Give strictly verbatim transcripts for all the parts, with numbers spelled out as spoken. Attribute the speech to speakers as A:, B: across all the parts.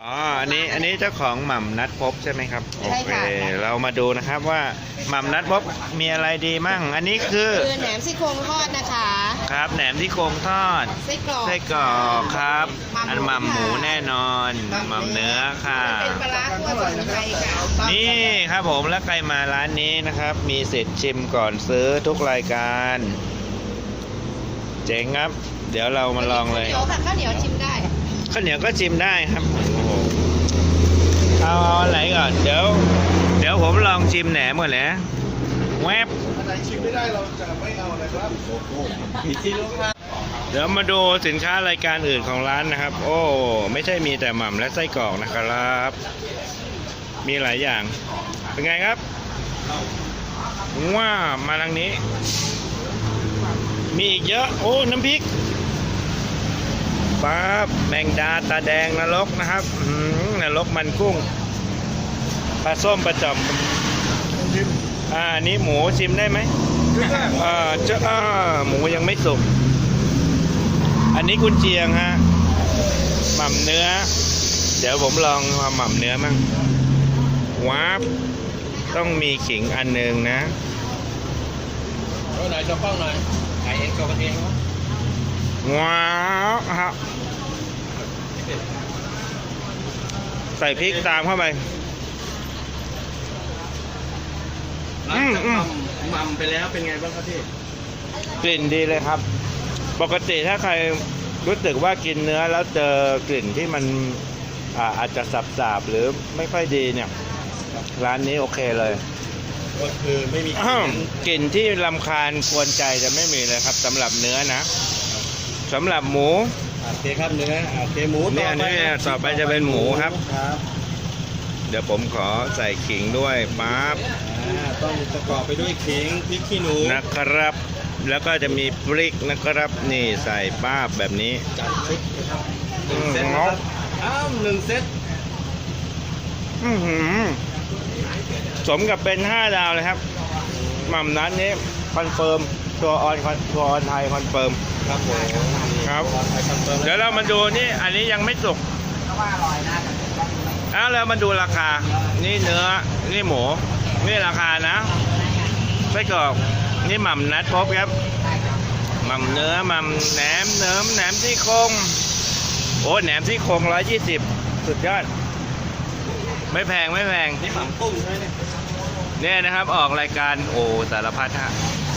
A: อ๋อ อันนี้ อันนี้เจ้าของหม่ำนัดพบใช่ไหมครับ โอเค เรามาดูนะครับว่าหม่ำนัดพบมีอะไรดีมั่ง อันนี้คือ
B: คือแหนมซี่โครงทอดนะคะ
A: ครับ แหนมที่โครงทอด
B: ไส้กรอก
A: ไส้กรอกครับ อันหม่ำหมูแน่นอนหม่ำเนื้อค่ะ
B: เป็นปลาร้าคั่วสมุนไพรค่ะ
A: นี่ครับผมแล้วใครมาร้านนี้นะครับ มีสิทธิ์ชิมก่อนซื้อทุกรายการ เจ๋งครับ เดี๋ยวเรามาลองเลย
B: ข้าวเหนียวค่ะข้าวเหนียวชิมได้
A: ข้าวเหนียวก็ชิมได้ครับโอ้โหเอาเอาอะไรก่อน เดี๋ยว เดี๋ยวผมลองชิมแหนมก่อนนะแวบ
C: อันไหนชิมไม่ได้เราจะไม่เอาอะไรครับมีที่ลูกค้า
A: เดี๋ยวมาดูสินค้ารายการอื่นของร้านนะครับ โอ้ไม่ใช่มีแต่หม่ำและไส้กรอกนะครับ มีหลายอย่าง เป็นไงครับว้ามาทางนี้ มีอีกเยอะโอ้น้ำพริกปั๊บแมงดาตาแดงนรกนะครับอื้อหือนรกมันกุ้งปลาส้มปลาจอมอ่านี้หมูชิมได้ไหมอ่าเจ้าอ่าหมูยังไม่สุกอันนี้กุนเชียงฮะหม่ำเนื้อ เดี๋ยวผมลองหม่ำเนื้อมั่งว้าบต้องมีขิงอันหนึ่งนะ
C: เอาไหนจะป้องหน่อยไก่เองตัวกันเองวะ
A: ว้าวฮะใส่พริกตามเข้าไป อืมอืม
C: มัมไปแล้วเป็นไงบ้างครับพี่
A: กลิ่นดีเลยครับ ปกติถ้าใครรู้สึกว่ากินเนื้อแล้วเจอกลิ่นที่มันอ่าอาจจะสับๆหรือไม่ค่อยดีเนี่ย ร้านนี้โอเคเลย
C: ก็คือไม่มี
A: อ้าวกลิ่นที่รำคาญกวนใจจะไม่มีเลยครับสำหรับเนื้อนะสำหรับหมู
C: โอเคครับเนื้อโอเคหมู
A: เนี่ยอันนี้ต่อไปจะเป็นหมูครับ
C: ครับ
A: เดี๋ยวผมขอใส่ขิงด้วยปั๊บ
C: อ่าต้องประกอบไปด้วยขิงพริกขี้หนู
A: นะครับ แล้วก็จะมีพริกนะครับ นี่ใส่ป้าบแบบนี้
C: จัดชุดนะครับหนึ่งเซตนะครับอ้าวหนึ่งเซต
A: อื้อหือสมกับเป็นห้าดาวเลยครับหม่ำนั้นนี้คอนเฟิร์มตัวออนตัวออนไทยคอนเฟิร์ม
C: ครับผม
A: ครับ
C: ไทยคอนเฟิร์ม
A: เดี๋ยวเรามาดูนี่อันนี้ยังไม่สุกแล้วเรามาดูราคา นี่เนื้อ นี่หมู นี่ราคานะไส้กรอก นี่หม่ำนัดพบครับ หม่ำเนื้อ หม่ำแหนมเนื้อแหนมที่โครงโอ้แหนมที่โครงร้อยยี่สิบสุดยอด ไม่แพงไม่แพง
C: นี่หม่ำกุ้งใช่ไหมเนี่ย
A: เนี่ยนะครับออกรายการโอ้สารพัดฮะ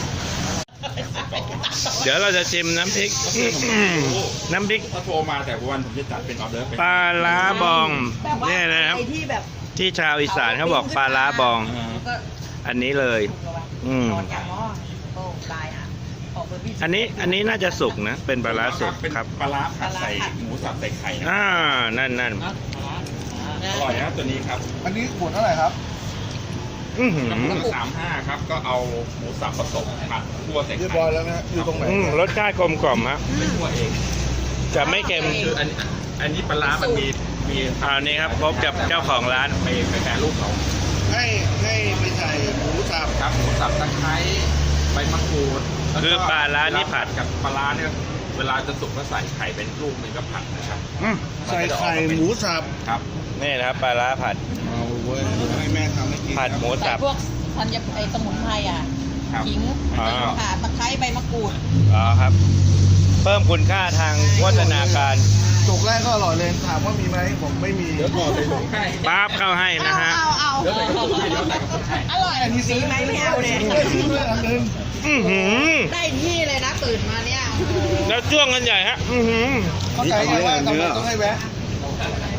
A: เดี๋ยวเราจะชิมน้ำพริก น้ำพริก
C: ถ้าโทรมาแต่วันผมจะจัดเป็นออเดอร์เป็น
A: ปลาล้าบอง
B: แบบว่า
A: เนี่ยนะครับ
B: ไอ้ที่แบบ
A: ที่ชาวอีสานเขาบอกปลาล้าบอง
B: ก็
A: อันนี้เลย อืม
B: นอนอย่างหม้อโอ้ตายอ่ะออกไปพี่
A: อันนี้อันนี้น่าจะสุกนะ เป็นปลาล้าสุก
C: เป็น
A: ครับ
C: ปลาร้าผัดใส่หมูสับใส่ไข่นะ
A: อ่านั่นนั่น
C: อร่อยนะตัวนี้ครับ
D: อันนี้ขวดเท่าไหร่ครับ
A: อือหือ
C: น้ำมันสามห้าครับก็เอาหมูสับผสมผัดคั่วใส่
D: เรียบ
C: ไข่
D: ร้อยแล้วนะอยู่ตรงไหน
A: อืมรสชาติกลมกล่อมฮะ
C: ไม่คั่วเอง
A: จะไม่เค็ม
C: คืออันอันนี้ปลาร้ามันมีมี
A: คราวนี้ครับพบกับเจ้าของร้าน
C: ไปไปแปรรูปเขา
D: ให้ให้ไปใส่หมูสับ
C: ครับหมูสับตะไคร้ใบมะกรูดแล้วก็
A: คือปลาร้านี่ผัด
C: กับปลาร้าเนี่ยเวลาจะสุกก็ใส่ไข่เป็นลูกหนึงก็ผัดนะครับ
A: อืม
D: ใส่ไข่หมูสับ
C: ครับ
A: นี่นะครับปลาล้าผัด
D: เอาเว้ยเดี๋ยวให้แม่ทำให้กิน
A: ผัดหมู
B: ใส่
A: สับ
B: พวกธัญไอ้สมุนไพรอ่ะ
C: ครับ
B: ขิง
A: อ่า
B: ข่าตะไคร้ใบมะกรูด
A: อ๋อครับ เพิ่มคุณค่าทางวัฒนาการ
D: จุกแรกก็อร่อยเลยถามว่ามีไหมผมไม่มี
C: เดี๋ยวก่อนไปลงให้
A: ปั๊บเข้าให้นะฮะ
B: เอาเอา
C: เดี๋ยวใส่กระปุกให้เดี๋ยวใส่กระปุกให้
B: อร่อยสีไหมไม่เอาเลย
D: ได้ซื้อด้วยอันนึง
A: อือหือ
B: ได้ที่เลยนะตื่นมาเนี่ยโอ้โห
A: แล้วจ้วงกันใหญ่ฮะ อือหือ
D: เข้าใจไหมว่าทำไมต้องให้แวะ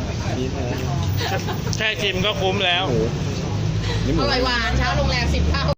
A: แค่ชิมก็คุ้มแล้ว
B: อร่อยหวานเช้าโรงแรมสิบเท่า